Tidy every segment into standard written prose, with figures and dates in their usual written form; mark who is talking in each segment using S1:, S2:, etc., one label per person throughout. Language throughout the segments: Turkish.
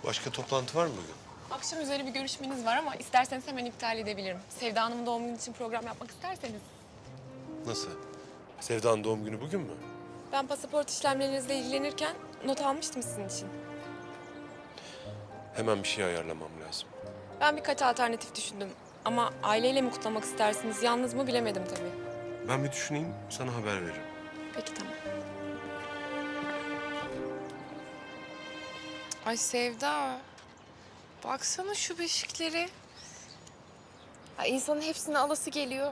S1: Başka toplantı var mı bugün?
S2: Akşam üzeri bir görüşmeniz var ama isterseniz hemen iptal edebilirim. Sevda Hanım'ın doğum günü için program yapmak isterseniz.
S1: Nasıl? Sevda'nın doğum günü bugün mü?
S2: Ben pasaport işlemlerinizle ilgilenirken not almıştım sizin için.
S1: Hemen bir şey ayarlamam lazım.
S2: Ben birkaç alternatif düşündüm. Ama aileyle mi kutlamak istersiniz, yalnız mı bilemedim tabii.
S1: Ben bir düşüneyim, sana haber veririm.
S2: Peki tamam. Ay Sevda, baksana şu beşikleri. Ay insanın hepsini alası geliyor.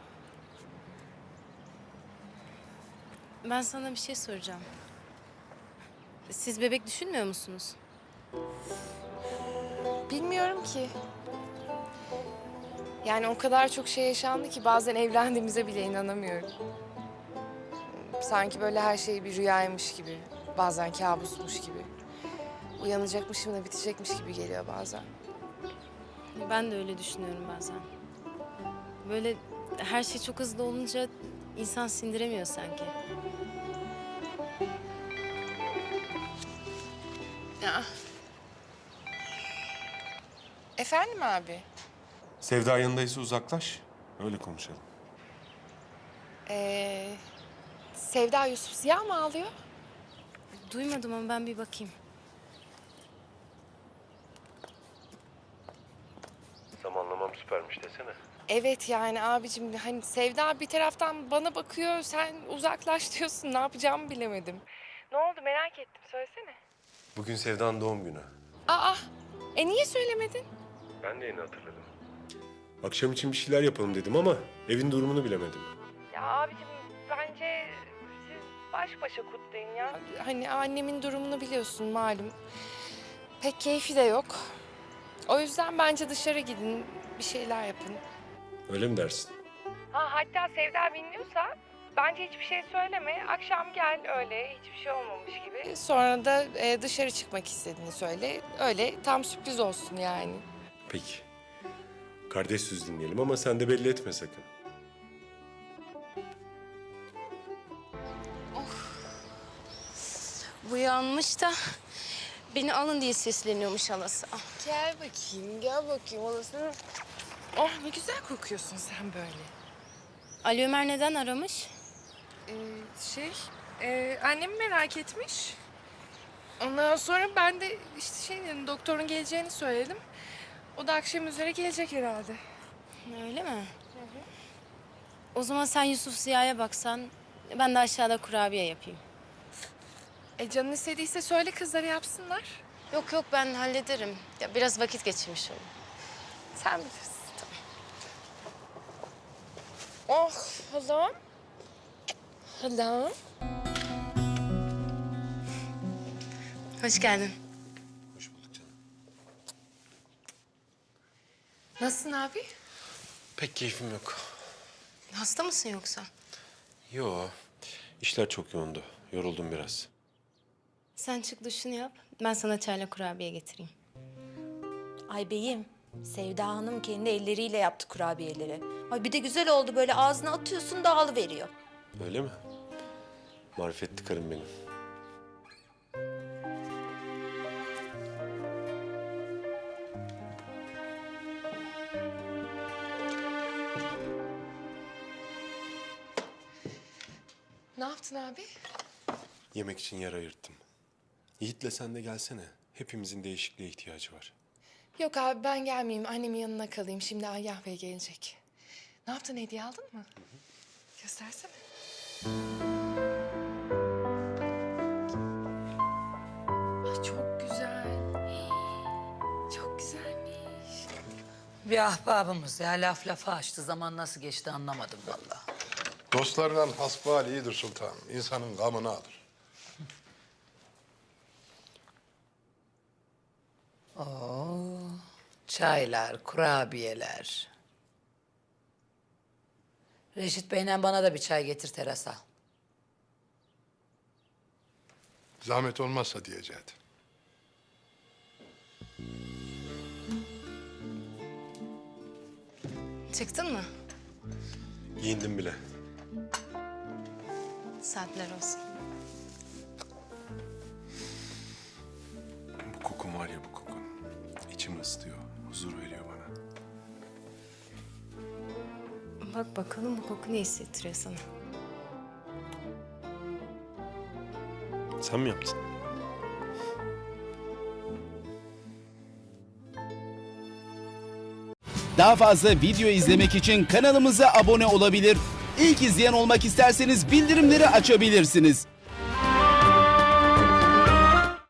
S3: Ben sana bir şey soracağım. Siz bebek düşünmüyor musunuz?
S2: Bilmiyorum ki. Yani o kadar çok şey yaşandı ki bazen evlendiğimize bile inanamıyorum. Sanki böyle her şey bir rüyaymış gibi, bazen kabusmuş gibi. Uyanacakmışım da bitecekmiş gibi geliyor bazen.
S3: Ben de öyle düşünüyorum bazen. Böyle her şey çok hızlı olunca insan sindiremiyor sanki.
S2: Ya. Efendim abi?
S1: Sevda yanındaysa uzaklaş, öyle konuşalım.
S2: Sevda Yusuf Ziya mı ağlıyor?
S3: Duymadım ama ben bir bakayım.
S1: Zamanlamam süpermiş desene.
S2: Evet yani abicim hani Sevda bir taraftan bana bakıyor, sen uzaklaş diyorsun. Ne yapacağımı bilemedim. Ne oldu merak ettim, söylesene.
S1: Bugün Sevda'nın doğum günü.
S2: Aa, niye söylemedin?
S1: Ben de yeni hatırladım. Akşam için bir şeyler yapalım dedim ama evin durumunu bilemedim.
S2: Ya abicim bence siz baş başa kutlayın ya. Hani annemin durumunu biliyorsun malum. Pek keyfi de yok. O yüzden bence dışarı gidin, bir şeyler yapın.
S1: Öyle mi dersin?
S2: Ha hatta Sevda bilmiyorsa bence hiçbir şey söyleme. Akşam gel öyle hiçbir şey olmamış gibi. Sonra da dışarı çıkmak istediğini söyle. Öyle tam sürpriz olsun yani.
S1: Peki. Kardeş söz dinleyelim ama sen de belli etme sakın.
S3: Bu yanmış da beni alın diye sesleniyormuş halası.
S2: Gel bakayım, gel bakayım olasın. Oh ne güzel kokuyorsun sen böyle.
S3: Ali Ömer neden aramış?
S2: Annem merak etmiş. Ondan sonra ben de işte dedim, doktorun geleceğini söyledim. O da akşam üzere gelecek herhalde.
S3: Öyle mi? O zaman sen Yusuf Ziya'ya baksan, ben de aşağıda kurabiye yapayım.
S2: Canın istediyse söyle kızlara yapsınlar.
S3: Yok yok ben hallederim. Ya biraz vakit geçirmiş olayım.
S2: Sen bilirsin. Oh halam. Halam.
S3: Hoş geldin.
S1: Hoş bulduk canım.
S2: Nasılsın abi?
S1: Pek keyfim yok.
S3: Hasta mısın yoksa?
S1: Yo, işler çok yoğundu. Yoruldum biraz.
S3: Sen çık duşunu yap. Ben sana çayla kurabiye getireyim.
S4: Ay beyim, Sevda Hanım kendi elleriyle yaptı kurabiyeleri. Ay bir de güzel oldu böyle ağzına atıyorsun dağılıveriyor.
S1: Öyle mi? Marifetli karım benim.
S2: Ne yaptın abi?
S1: Yemek için yer ayırttım. Yiğit'le sen de gelsene. Hepimizin değişikliğe ihtiyacı var.
S2: Yok abi ben gelmeyeyim. Annemin yanına kalayım. Şimdi Agah Bey gelecek. Ne yaptın? Hediye aldın mı? Göstersene. Ay çok güzel. Çok güzelmiş.
S5: Bir ahbabımız ya laf lafa açtı. Zaman nasıl geçti anlamadım vallahi.
S6: Dostlarla hasbihal iyidir sultanım. İnsanın gamını alır.
S5: Çaylar, kurabiyeler. Reşit Bey'le bana da bir çay getir terasa.
S6: Zahmet olmazsa diyeceğim.
S3: Çıktın mı?
S1: Giyindim bile.
S3: Saatler olsun.
S1: Bu kokun var ya bu koku. içimi ısıtıyor, huzur veriyor bana.
S3: Bak bakalım bu koku ne hissettiriyor sana?
S1: Sen mi yaptın?
S7: Daha fazla video izlemek için kanalımıza abone olabilir. İlk izleyen olmak isterseniz bildirimleri açabilirsiniz.